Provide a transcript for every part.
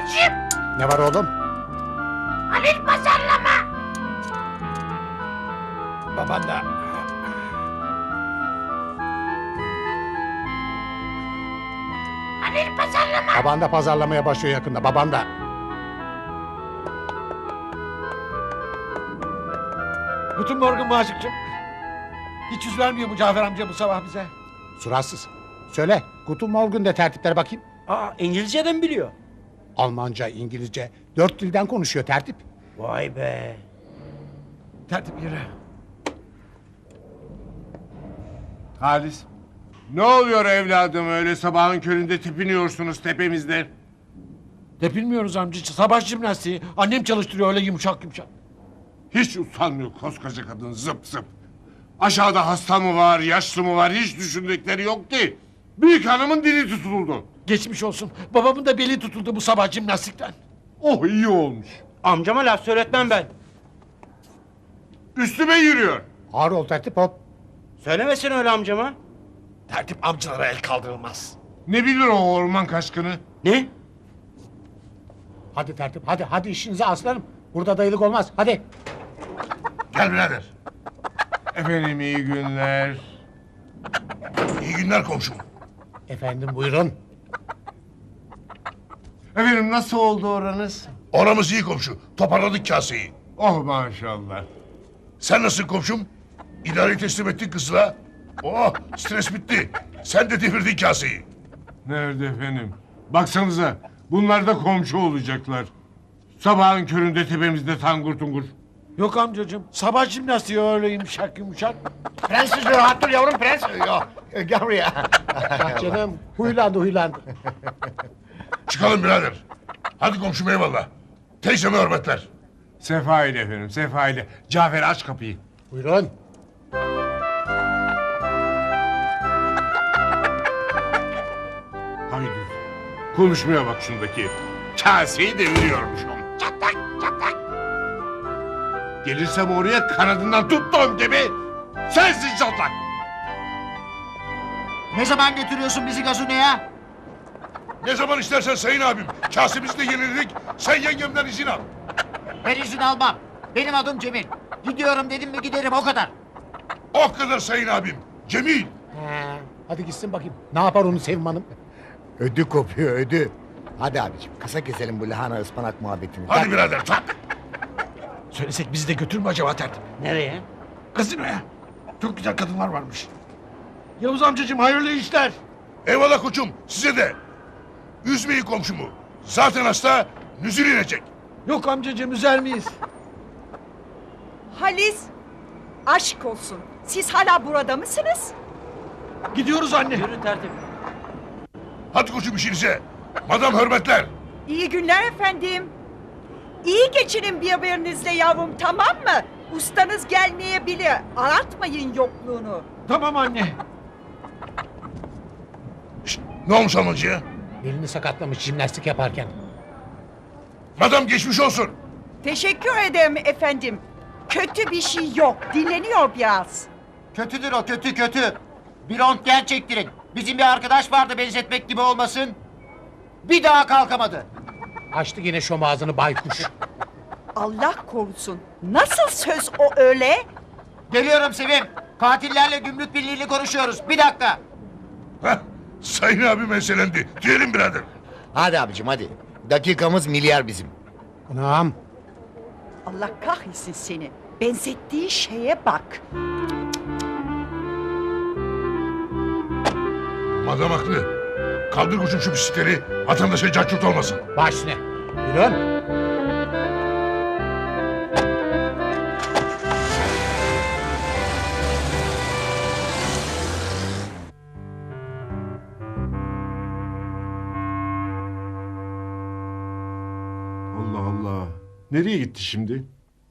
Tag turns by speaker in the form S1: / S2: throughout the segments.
S1: Babacığım!
S2: Ne var oğlum?
S1: Halil pazarlama!
S2: Baban da...
S1: Halil pazarlama!
S2: Baban da pazarlamaya başlıyor yakında, baban da.
S3: Guten Morgen Maşıkçım. Hiç yüz vermiyor mu Cafer amca bu sabah bize?
S2: Suratsız. Söyle, Guten Morgen de tertiplere bakayım.
S4: Aa, İngilizceden biliyor.
S2: Almanca, İngilizce, 4 dilden konuşuyor tertip.
S4: Vay be.
S3: Tertip yürü.
S5: Halis. Ne oluyor evladım öyle sabahın köründe tepiniyorsunuz tepemizde?
S3: Tepinmiyoruz amcacığım. Sabah jimnastiği. Annem çalıştırıyor öyle yumuşak yumuşak.
S5: Hiç utanmıyor koskoca kadın zıp zıp. Aşağıda hasta mı var, yaşlı mı var hiç düşündükleri yok ki. Büyük hanımın dili tutuldu.
S3: Geçmiş olsun. Babamın da beli tutuldu bu sabah jimnastikten.
S5: Oh iyi olmuş.
S4: Amcama laf söyletmem ben.
S5: Üstüme yürüyor.
S2: Ağır ol tertip, hop.
S4: Söylemesin öyle amcama.
S3: Tertip amcalara el kaldırılmaz.
S5: Ne bilir o orman kaşkını?
S4: Ne?
S2: Hadi tertip, hadi işinize aslanım. Burada dayılık olmaz, hadi.
S5: Gel birader. Efendim iyi günler.
S6: İyi günler komşum.
S2: Efendim buyurun.
S5: Efendim nasıl oldu oranız?
S6: Oramız iyi komşu. Toparladık kaseyi.
S5: Oh maşallah.
S6: Sen nasılsın komşum? İdareyi teslim ettin kızla. Oh stres bitti. Sen de devirdin kaseyi.
S5: Nerede efendim? Baksanıza bunlar da komşu olacaklar. Sabahın köründe tepemizde tangur tungur.
S3: Yok amcacığım. Sabah jimnastiği öyle yumuşak yumuşak.
S4: Prenses rahat dur yavrum prens.
S6: Yok gel buraya.
S2: Ah canım, huylandı.
S6: Çıkalım birader. Hadi komşum eyvallah. Teyzeme hürmetler.
S5: Sefa ile efendim sefa ile. Cafer aç kapıyı.
S2: Buyurun.
S5: Haydi. Konuşmaya bak şundaki. Kaseyi deviriyormuş onu.
S1: Çatlak çatlak!
S5: Gelirsem oraya kanadından tuttuğum gibi sensin çatlak.
S4: Ne zaman götürüyorsun bizi gazinoya?
S6: Ne zaman istersen sayın abim. Kasemizi de yeniledik. Sen yengemden izin al.
S4: Ben izin almam. Benim adım Cemil. Gidiyorum dedim mi giderim o kadar.
S6: O kadar sayın abim. Cemil.
S2: Hadi gitsin bakayım. Ne yapar onu Sevim Hanım?
S7: Ödü kopuyor ödü. Hadi abicim kısa keselim bu lahana ıspanak muhabbetini.
S6: Hadi birader tak.
S3: Söylesek bizi de götürür mü acaba tertip?
S4: Nereye?
S3: Gazinoya. Çok güzel kadınlar varmış. Yavuz amcacığım hayırlı işler.
S6: Eyvallah koçum size de. Üzmeyin komşumu. Zaten hasta nüzül inecek.
S3: Yok amcacığım üzer miyiz?
S8: Halis, aşk olsun. Siz hala burada mısınız?
S3: Gidiyoruz anne.
S4: Yürü tertip.
S6: Hadi koçum işinize. Madam hürmetler.
S8: İyi günler efendim. İyi geçinin birbirinizle yavrum, tamam mı? Ustanız gelmeyebilir. Aratmayın yokluğunu.
S3: Tamam anne.
S6: Şşt, ne olmuş Almancı'ya?
S2: Belini sakatlamış jimnastik yaparken.
S6: Madam geçmiş olsun.
S8: Teşekkür ederim efendim. Kötü bir şey yok. Dinleniyor biraz.
S4: Kötüdür o kötü. Bir röntgen çektirin. Bizim bir arkadaş vardı benzetmek gibi olmasın. Bir daha kalkamadı.
S2: Açtı yine şom ağzını baykuş.
S8: Allah korusun. Nasıl söz o öyle?
S4: Geliyorum Sevim. Katillerle gümrük birliğiyle konuşuyoruz. Bir dakika.
S6: Heh, sayın abi meselendi. Diyelim birader.
S7: Hadi abicim hadi. Dakikamız milyar bizim.
S2: Anam.
S8: Allah kahretsin seni. Benzettiği şeye bak.
S6: Madam haklı. Kaldır koçum şu bisikleri. Vatandaşa cacurt olmasın.
S2: Baş üstüne. Buyurun.
S5: Allah Allah. Nereye gitti şimdi?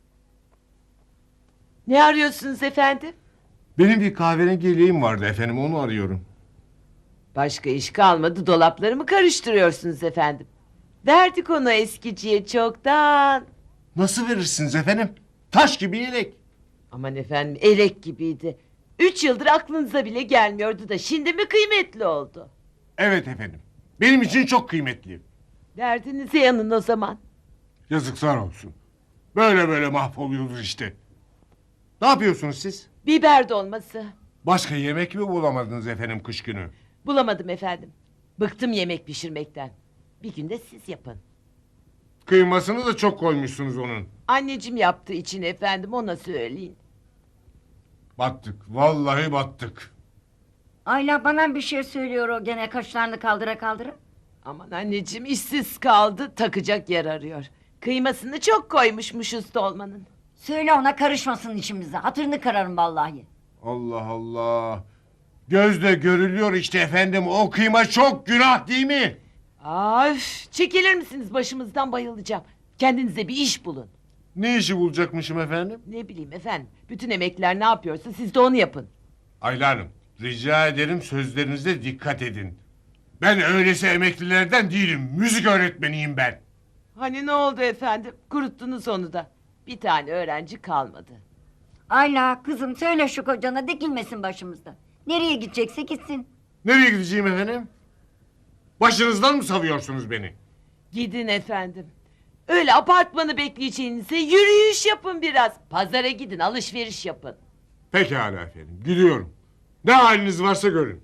S9: Ne arıyorsunuz efendim?
S5: Benim bir kahverengi yeleğim vardı efendim onu arıyorum.
S9: Başka iş kalmadı, dolaplarımı karıştırıyorsunuz efendim. Verdik onu eskiciye çoktan.
S5: Nasıl verirsiniz efendim? Taş gibi yelek.
S9: Aman efendim elek gibiydi. 3 yıldır aklınıza bile gelmiyordu da şimdi mi kıymetli oldu?
S5: Evet efendim. Benim için çok kıymetli.
S9: Derdinize yanın o zaman.
S5: Yazıklar olsun. Böyle böyle mahvoluyoruz işte. Ne yapıyorsunuz siz?
S9: Biber dolması.
S5: Başka yemek mi bulamadınız efendim kış günü?
S9: Bulamadım efendim. Bıktım yemek pişirmekten. Bir günde siz yapın.
S5: Kıymasını da çok koymuşsunuz onun.
S9: Anneciğim yaptı için efendim, ona söyleyin.
S5: Battık. Vallahi battık.
S1: Ayla bana bir şey söylüyor o gene kaşlarını kaldıra kaldıra.
S9: Aman anneciğim, işsiz kaldı, takacak yer arıyor. Kıymasını çok koymuşmuş usta olmanın.
S1: Söyle ona karışmasın işimize. Hatırını kırarım vallahi.
S5: Allah Allah. Gözle görülüyor işte efendim. O kıyma çok günah değil mi?
S9: Üf, çekilir misiniz başımızdan, bayılacağım. Kendinize bir iş bulun.
S5: Ne işi bulacakmışım efendim?
S9: Ne bileyim efendim, bütün emekliler ne yapıyorsa siz de onu yapın.
S5: Ayla Hanım, rica ederim sözlerinize dikkat edin. Ben öylesi emeklilerden değilim. Müzik öğretmeniyim ben.
S9: Hani ne oldu efendim, kuruttunuz onu da. Bir tane öğrenci kalmadı.
S1: Ayla kızım söyle şu kocana dikilmesin başımızda. Nereye gidecekse gitsin.
S5: Nereye gideceğim efendim? Başınızdan mı savuyorsunuz beni?
S9: Gidin efendim. Öyle apartmanı bekleyeceğinize yürüyüş yapın biraz. Pazara gidin, alışveriş yapın.
S5: Pekala efendim, gidiyorum. Ne haliniz varsa görün.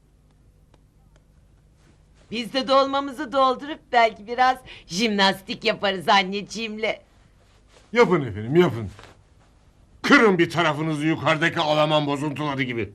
S9: Biz de dolmamızı doldurup belki biraz jimnastik yaparız anneciğimle.
S5: Yapın efendim, yapın. Kırın bir tarafınızı yukarıdaki Alman bozuntuları gibi.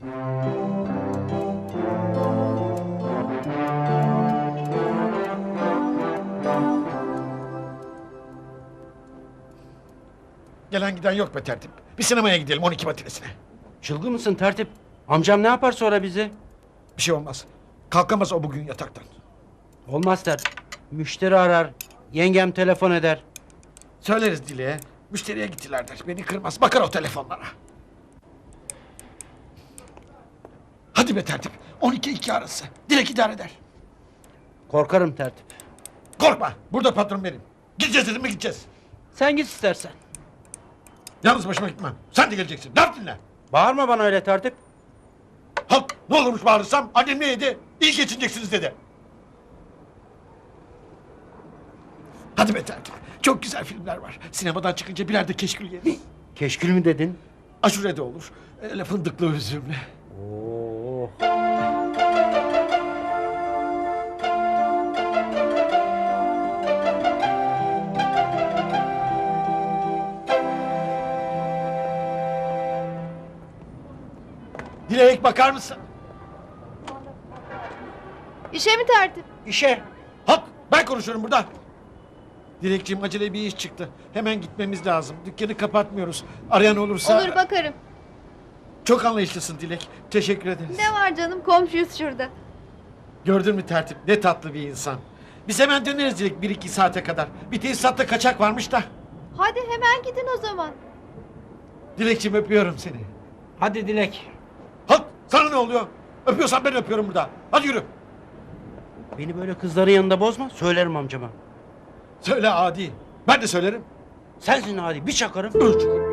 S3: Gelen giden yok be tertip. Bir sinemaya gidelim 12 matinesine.
S10: Çılgın mısın tertip? Amcam ne yapar sonra bizi?
S3: Bir şey olmaz. Kalkamaz o bugün yataktan.
S10: Olmaz tertip. Müşteri arar. Yengem telefon eder.
S3: Söyleriz Dile'ye. Müşteriye gittiler der. Beni kırmaz. Bakar o telefonlara. Hadi be tertip. 12-2 arası. Dilek idare eder.
S10: Korkarım tertip.
S3: Korkma. Burada patron benim. Gideceğiz dedim mi gideceğiz.
S10: Sen git istersen.
S3: Yalnız başıma gitmem. Sen de geleceksin. Laf dinle.
S10: Bağırma bana öyle tertip.
S3: Halk ne olurmuş bağırırsam annem ne yedi? İyi geçineceksiniz dedi. Hadi be tertip. Çok güzel filmler var. Sinemadan çıkınca birer de keşkül yeriz.
S10: Keşkül mü dedin?
S3: Aşure de olur. Öyle fındıklı üzümlü.
S10: Oo.
S3: Dilek bakar mısın?
S11: İşe mi tertip?
S10: İşe.
S3: Halk ben konuşuyorum burada. Dilekciğim acele bir iş çıktı. Hemen gitmemiz lazım. Dükkanı kapatmıyoruz. Arayan olursa...
S11: Olur bakarım.
S3: Çok anlayışlısın Dilek. Teşekkür ederiz.
S11: Ne var canım, komşuyuz şurada.
S3: Gördün mü tertip? Ne tatlı bir insan. Biz hemen döneriz Dilek 1-2 saate kadar. Bir tesisatta kaçak varmış da.
S11: Hadi hemen gidin o zaman.
S3: Dilekciğim öpüyorum seni.
S10: Hadi Dilek.
S3: Halk sana ne oluyor? Öpüyorsan ben öpüyorum burada. Hadi yürü.
S10: Beni böyle kızların yanında bozma. Söylerim amcama.
S3: Söyle adi. Ben de söylerim.
S10: Sensin hadi bir çakarım.
S3: Üç.